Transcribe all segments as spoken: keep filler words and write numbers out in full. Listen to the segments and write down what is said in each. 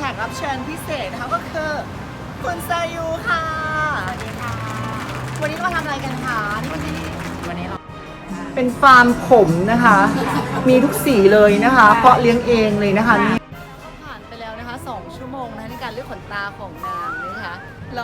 กรับเชิญพิเศษนะคะก็คือคุณซายูค่ะสวัสดีค่ะวันนี้เรามาทำอะไรกันคะวันนี้วันนี้เราเป็นฟาร์มผมนะคะ มีทุกสีเลยนะคะเพาะเลี้ยงเองเลยนะคะนี่ก็ผ่านไปแล้วนะคะสองชั่วโมงนะคะในการเลือกขนตาของนางนะคะเรา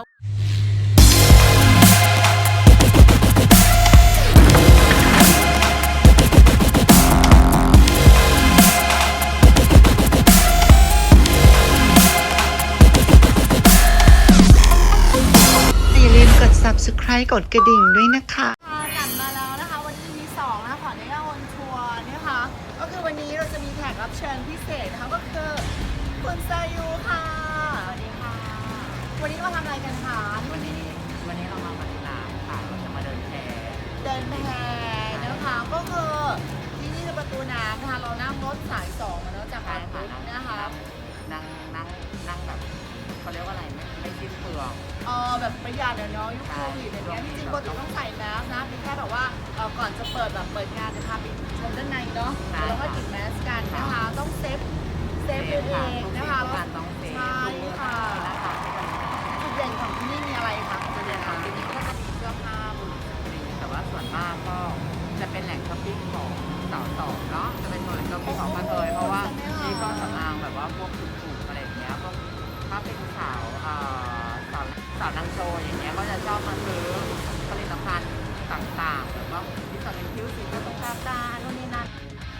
กด ซับสไครบ์ กดกระดิ่งด้วยนะคะกลับมาแล้วนะคะวันนี้มีสองนะคะขออนุญาตวนทัวร์นะคะก็คือวันนี้เราจะมีแขกรับเชิญพิเศษนะคะก็คือคุณซายูค่ะสวัสดีค่ะวันนี้เรามาทำอะไรกันคะวันนี้วันนี้เรามาพัทยาค่ะเราจะมาเดินแพเดินแพนะคะก็คือที่นี่คือประตูน้ำนะคะเรานั่งรถสายสองมาแล้วจากการปุ๊บนะคะนั่งนั่งนั่งแบบเขาเรียกว่าอะไรไม่ไม่สิ้นเปลืองเออแบบประหยัดเนาะยุคโควิดอย่างเงี้ยที่จริงปกติต้องใส่แมสนะเป็นแค่แบบว่าเออก่อนจะเปิดแบบเปิดงานจะพาไปชมด้านในเนาะแล้วก็ติดแมสกันนะคะต้องเซฟเซฟตัวเองนะคะแล้วใช่ค่ะจุดเด่นของที่นี่มีอะไรคะจุดเด่นของที่นี่ก็จะมีเสื้อผ้าบุหรี่แต่ว่าส่วนมากก็จะเป็นแหล่งช้อปปิ้งของสาวสองเนาะจะเป็นแหล่งช้อปปิ้งของกระเทยเพราะว่ามีเครื่องสำอางแบบว่าพวกถูกๆอะไรอย่างเงี้ยพวกถ้าเป็นสาวสาวสาวนางโชว์อย่างเงี้ยก็จะชอบมาซื้อผลิตภัณฑ์ต่างๆแบบว่าที่จะเป็นคิ้วสีกระตุกตาตาโน่นนี่นั่น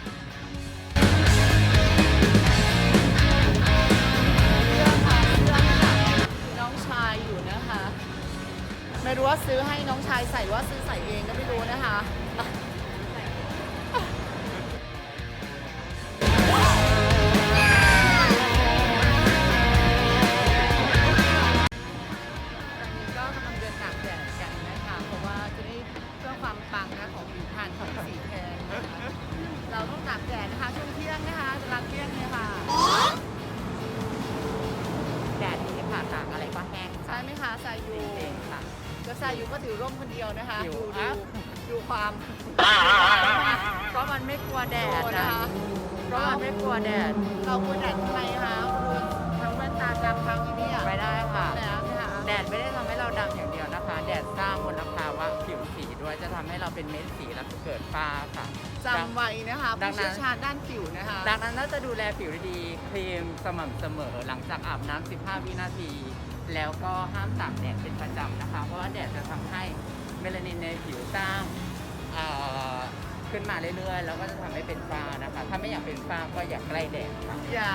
เสื้อค่ะเสื้อค่ะน้องชายอยู่นะคะไม่รู้ว่าซื้อให้น้องชายใส่ว่าซื้อใส่เองก็ไม่รู้นะคะเราต้องตากแดดนะคะช่วงเที่ยงนะคะจะรับเที่ยงเลยค่ะแดดดีค่ะตากอะไรก็แห้งใช่ไหมคะซายูค่ะก็ซายูก็ถือร่มคนเดียวนะคะดูดูดูความเพราะมันไม่กลัวแดดนะคะเพราะมันไม่กลัวแดดเรากลัวแดดทำไมคะทั้งแว่นตาดำทั้งนี้ไม่ได้ค่ะแดดไม่ได้ทำให้เราดำอย่างเดียวนะคะแดดสร้างมลภาวะผิวสีด้วยจะทำให้เราเป็นเม็ดสีแล้วเกิดฝ้าค่ะจำไว้นะคะผู้เชี่ยวชาญด้านผิวนะคะดังนั้นน่าจะดูแลผิวดีๆครีมสม่ำเสมอหลังจากอาบน้ำสิบห้าวินาทีแล้วก็ห้ามตากแดดเป็นประจำนะคะเพราะว่าแดดจะทำให้เมลานินในผิวสร้างขึ้นมาเรื่อยๆแล้วก็จะทำให้เป็นฝ้านะคะถ้าไม่อยากเป็นฝ้าก็อย่าใกล้แดดค่ะ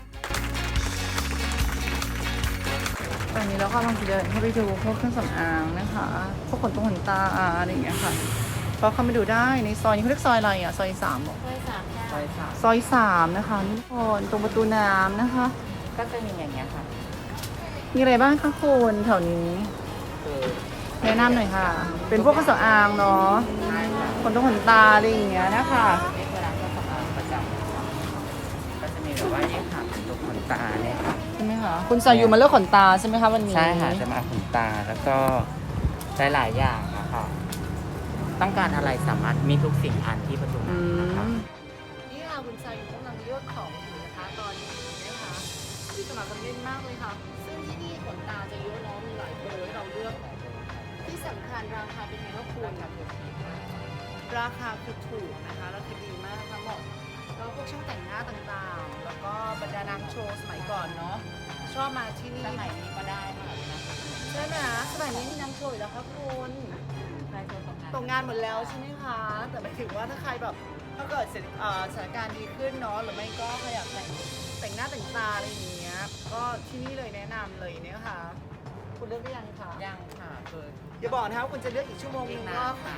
ตอนนี้เรากำลังจะเดินเข้าไปดูพวกเครื่องสำอางนะคะพวกขนตรงขนตาอะไรอย่างเงี้ยค่ะก็เข้าไปดูได้ในซอยนี้เขาเรียกซอยอะไรอ่ะซอยสามบอกซอยสามซอยสามซอยสามนะคะทุกคนตรงประตูน้ำนะคะก็จะมีอย่างเงี้ยค่ะมีอะไรบ้างคะคุณแถวนี้แนะนำหน่อยค่ะเป็นพวกเครื่องสำอางเนาะขนตรงขนตาอะไรอย่างเงี้ยนะคะนี่คือร้านเครื่องสำอางประจำก็จะมีแบบว่าเนี่ยค่ะขนตรงขนตาเนี่ยค่ะใช่ไหมคะคุณซายูมาเลือกขนตาใช่ไหมคะวันนี้ใช่ค่ะจะมาขนตาแล้วก็ใช้หลายอย่างนะคะต้องการอะไรสามารถมีทุกสิ่งอันที่ประตูน้ำนะคะนี่ค่ะคุณซายูกำลังเลือกของอยู่นะคะตอนนี้นะคะที่สมัครกันเล่นมากเลยค่ะซึ่งที่นี่ขนตาจะเยอะเนาะมีหลายเบอร์ให้เราเลือกที่สำคัญราคาเป็นไงก็ควรราคาคือถูกนะคะราคาดีมากทั้งหมดแล้วพวกช่างแต่งหน้าต่างๆแล้วก็บรรดานางโชว์สมัยก่อนเนาะชอบมาที่นี่สมัยนี้ก็ได้ค่ะใช่ไหมสมัยนี้มีนางโชว์แล้วครับคุณตกงานหมดแล้วใช่ไหมคะแต่หมายถึงว่าถ้าใครแบบถ้าเกิดสถานการณ์ดีขึ้นเนาะหรือไม่ก็ใครอยากแต่งแต่งหน้าแต่งตาอะไรอย่างเงี้ยก็ที่นี่เลยแนะนำเลยเนี่ยค่ะคุณเลือกได้ยังคะยังค่ะคืออย่าบอกนะคะคุณจะเลือกอีกชั่วโมงนึงก็ค่ะ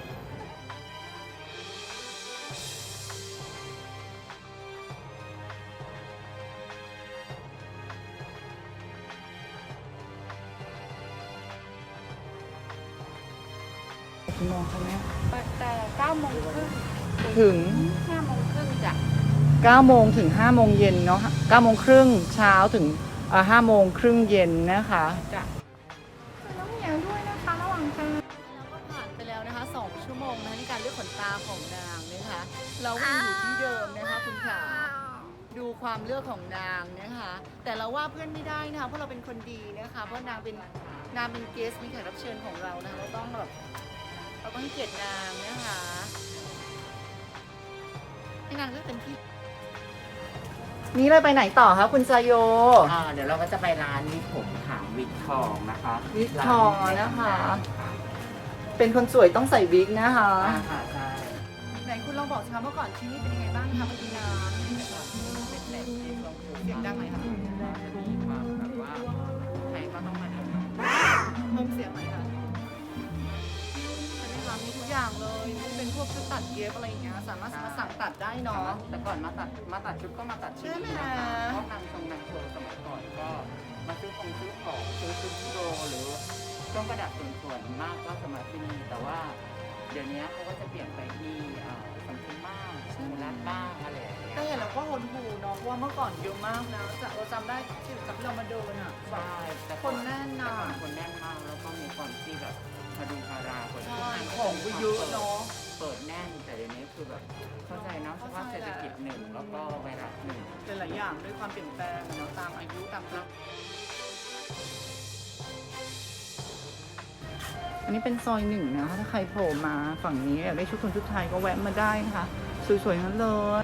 กี่โมงคะแม่แต่เก้าโมงครึ่งถึงห้าโมงครึ่งจ้ะเก้าโมงถึงห้าโมงเย็นเนาะเก้าโมงครึ่งเช้าถึงห้าโมงครึ่งเย็นนะคะจ้ะน้องเหมียวด้วยนะคะระหว่างทางเราก็ผ่านไปแล้วนะคะสองชั่วโมงนะคะในการเลือกขนตาของนางนะคะเราก็ยังอยู่ที่เดิมนะคะคุณขาดูความเลือกของนางนะคะแต่เราว่าเพื่อนไม่ได้นะคะเพราะเราเป็นคนดีนะคะเพราะนางเป็นนางเป็นเกสมีแขกรับเชิญของเรานะคะเราต้องแบบเราต้องให้เกียรตินางนะคะให้นางเลือกเต็มที่นี่เลยไปไหนต่อคะคุณซาโยอ่าเดี๋ยวเราก็จะไปร้านวิกผมถามวิกทองนะคะวิกทองนะคะ เป็นคนสวยต้องใส่วิกนะคะอ่าค่ะใช่ไหนคุณลองบอกสิคะเมื่อก่อนที่นี่เป็นยังไงบ้างคะเมื่อกี้น้ำเป็นเล็กที่ต้องพูดเสียงดังไหมคะจะมีความแบบว่าใครก็ต้องมาดูเพิ่มเสียงไหมคะใช่ไหมคะมีทุกอย่างเลยเป็นพวกชุดตัดเย็บอะไรอย่างเงี้ยสามารถมาสั่งตัดได้เนาะแต่ก่อนมาตัดมาตัดชุดก็มาตัดชุดใช่ไหมนะคะเพราะนางทรงนางโชว์สมัยก่อนก็มาซื้อของซื้อของซื้อชุดโชว์หรือเครื่องประดับส่วนๆมากก็สมัยที่นี่แต่ว่าเดี๋ยวนี้เขาก็จะเปลี่ยนไปที่อ่าสัมพันธ์บ้างมูลาดบ้างอะไรอย่างเงี้ยแต่เห็นแล้วก็หดหูเนาะเพราะว่าเมื่อก่อนเยอะมากนะจะเราจำได้ที่จำที่เรามาเดินอ่ะใช่แต่คนแน่นน่ะแต่ก่อคนแน่นมากแล้วก็มีความที่แบบพดุงพาราคนใช่ที่ของก็เยอะเนาะเปิดแน่นแต่เดี๋ยวนี้คือแบบเข้าใจเนาะสภาพเศรษฐกิจหนึ่งแล้วก็ไวรัสหนึ่งหลายๆอย่างด้วยความเปลี่ยนแปลงเนาะตามอายุตามกลับอันนี้เป็นซอยหนึ่งนะคะถ้าใครโผล่มาฝั่งนี้อยากได้ชุดคนชุดไทยก็แวะมาได้นะคะสวยๆทั้งนั้นเลย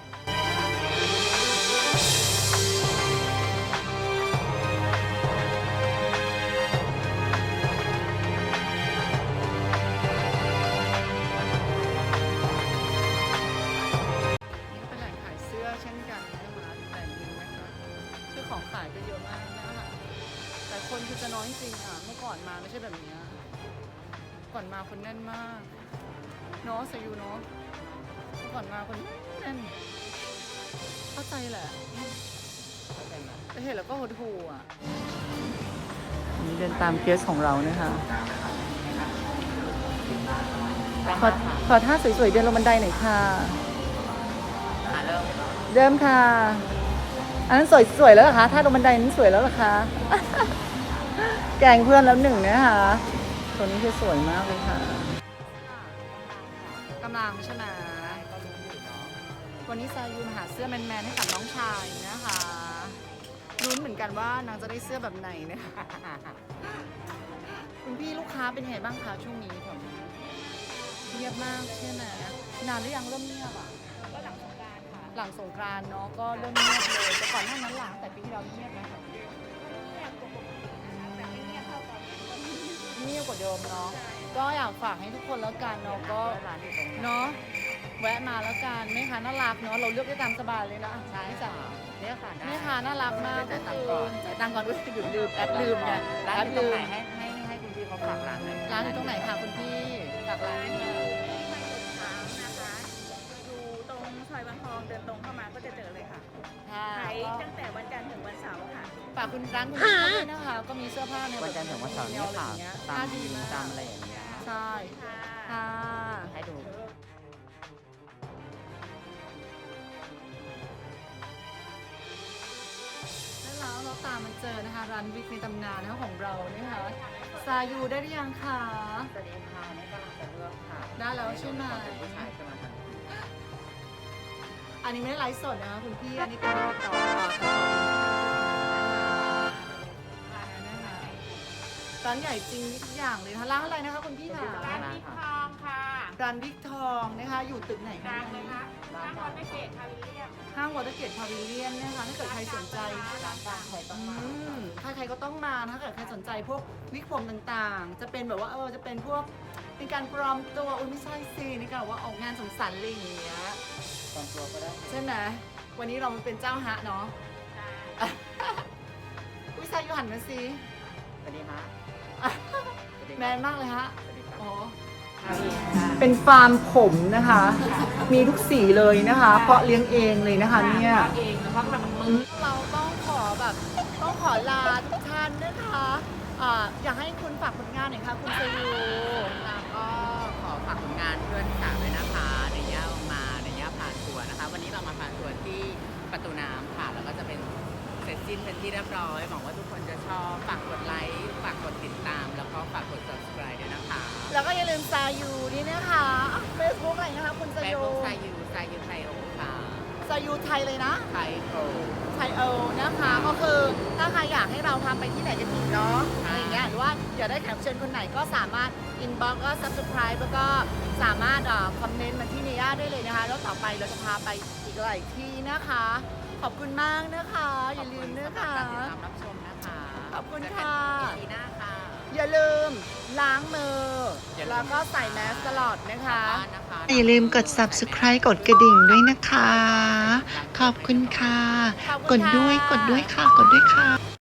นี่เป็นแหล่งขายเสื้อเช่นกันนะคะแหล่งหนึงนะคะคือของขายก็เยอะมากนะคะแต่คนคือจะน้อยจริงๆอ่ะเมื่อก่อนมาไม่ใช่แบบนี้ก่อนมาคนแน่นมากเนาะสยูเนาะเมื่อก่อนมาคนแน่นเข้าใจแหละเข้าใจไหมแต่เห็นแล้วก็หดหู่อ่ะนี่เดินตามเคสของเรานะคะขอขอท่าสวยๆเดินลงบันไดหน่อยค่ะอ่ะเริ่มเริ่มค่ะ อันนั้นสวยสวยแล้วเหรอคะท่าลงบันไดนั้นสวยแล้วเหรอคะ แกล้งเพื่อนแล้วหนึ่งนะคะตัวนี้คือสวยมากเลยค่ะกำลังใช่ไหมก็รู้อยู่เนาะวันนี้ซายูมาหาเสื้อแมนๆให้กับน้องชายนะคะลุ้นเหมือนกันว่านางจะได้เสื้อแบบไหนเนี่ยคุณพี่ลูกค้าเป็นไงบ้างคะช่วงนี้ผมเงียบมากใช่ไหมนานหรือยังเริ่มเงียบอ่ะก็หลังสงกรานต์ค่ะหลังสงกรานต์เนาะก็เริ่มเงียบเลยแต่ก่อนหน้านั้นหลังแต่ปีที่เราเงียบไหมคะเงียบกว่าปกตินะคะแต่ไม่เงียบเท่าตอนนี้เงียบกว่าเดิมเนาะก็อยากฝากให้ทุกคนแล้วกันเนาะก็ร้านอยู่ตรงนี้เนาะแวะมาแล้วกันแม่ค้าน่ารักเนาะเราเลือกได้ตามสบายเลยนะใช่พี่จ๋าค่ะเนี่ยค่ะได้แม่ค้าน่ารักมากได้ก็ตังคือค์ก่อนจ่ายตังค์ก่อนด้วยลืมลืมแอดลืมไงร้านแออดยู่ตรลืงมไหนให้ให้ให้คุณพี่เขาฝากร้านหน่อยร้านอยู่ตรงไหนคะคุณพี่ฝากร้านร้านนิดอนึยู่งที่ไม่หยุดถามนะคะ อยู่ตรงซอยบางทองเดินตรงเข้ามาก็จะเจอเลยค่ะค่ะขายตั้งแต่วันจันทร์ถึงวันเสาร์ค่ะฝากคุณร้านคุณพี่เขาด้วยนะคะก็มีเสื้อผ้าเนี่ยวันจันทร์ถึงวันเสาร์เนี่ยค่ะเงี้ยตาผ้าม ดีมากตามอะไรอย่างเงี้ยใช่ค่ะค่ะให้ดูแล้วเราตามมาเจอนะคะร้านวิกในตำนานนะคะของเราเนี่ยค่ะซายูได้หรือยังคะสวัสดีค่ะนี่กำลังจะเลือกค่ะได้แล้วใช่ไหมเป็นผู้ชายจะมาทางนี้อันนี้ไม่ได้ไลฟ์สดนะคะคุณพี่อันนี้เป็นต่อต่อต่อร้านใหญ่จริงทุกอย่างเลยนะคะร้านอะไรนะคะคุณพี่ค่ะร้านพิทองค่ะร้านวิกทองนะคะอยู่ตึกไหนดัคะงเลยคะร้านวันไม่เกตพาวิเลียมห้างวอเตอร์เกตพาวิเลียนนะคะถ้าเกิดใครสนใจร้านดังใครต้องอืมามถ้าใครก็ต้องมานะถ้าเกิดใครสนใจพวกวิกผมต่างๆ จะเป็นแบบว่าเออจะเป็นพวกเป็นการปลอมตัวอุ้ยไม่ใช่สินี่การว่าออกงานสังสรรค์อะไรอย่างเงี้ยตามตัวก็ได้ใช่ไหมวันนี้เราเป็นเจ้าฮะเนาะค่ะอุ้ยซายูหันมาสิสวัสดีค่ะแมนมากเลยฮะสวัสดีครับอ๋อสวัสดีค่ะเป็นฟาร์มผมนะคะ มีทุกสีเลยนะคะ เพาะเลี้ยงเองเลยนะคะเนี่ยเองนะคะมันมือเราต้องขอแบบต้องขอลาทุกท่านนะคะอ่าอยากให้คุณฝากผลงานหน่อยค่ะคุณซายูแล้วก็ขอฝากผลงานเพื่อนสาวด้วยนะคะในย่ามาในย่าพาทัวร์นะคะ วันนี้เรามาพาทัวร์ที่ประตูน้ำค่ะ แล้วก็จะเป็นเสร็จสิ้นเป็นที่เรียบร้อยหวังว่าทุกคนจะชอบฝากกดไลค์ฝากกดติดตาม แล้วก็ฝากกด subscribe ด้วยนะคะแล้วก็อย่าลืมซายูนี่นะคะเฟซบุ๊กอะไรนะคะคุณซาเฟซยูบุ๊กซายูซายูไทยโอค่ะซายูไทยเลยนะไทยโอก็คือถ้าใครอยากให้เราทำไปที่ไหนกันอีกเนาะอะไรอย่างเงี้ยหรือว่าอยากได้แขกรับเชิญคนไหนก็สามารถ inbox ก็ subscribe แล้วก็สามารถคอมเมนต์มาที่เนียได้เลยนะคะแล้วต่อไปเราจะพาไปอีกหลายที่นะคะ ขอบคุณมากนะคะ อย่าลืมนะคะขอบคุณสำหรับการติดตามรับชมนะคะขอบคุณเจอกันค่ะอีพีหน้าค่ะอย่าลืมล้างมืออย่าลืมแล้วก็ใส่แมสตลอดนะคะบ้านนะคะอย่าลืมกด subscribe กดกระดิ่งด้วยนะคะ ขอบคุณค่ะขอบกคุณดค่ะด้วย กดด้วยค่ะ กดด้วยค่ะ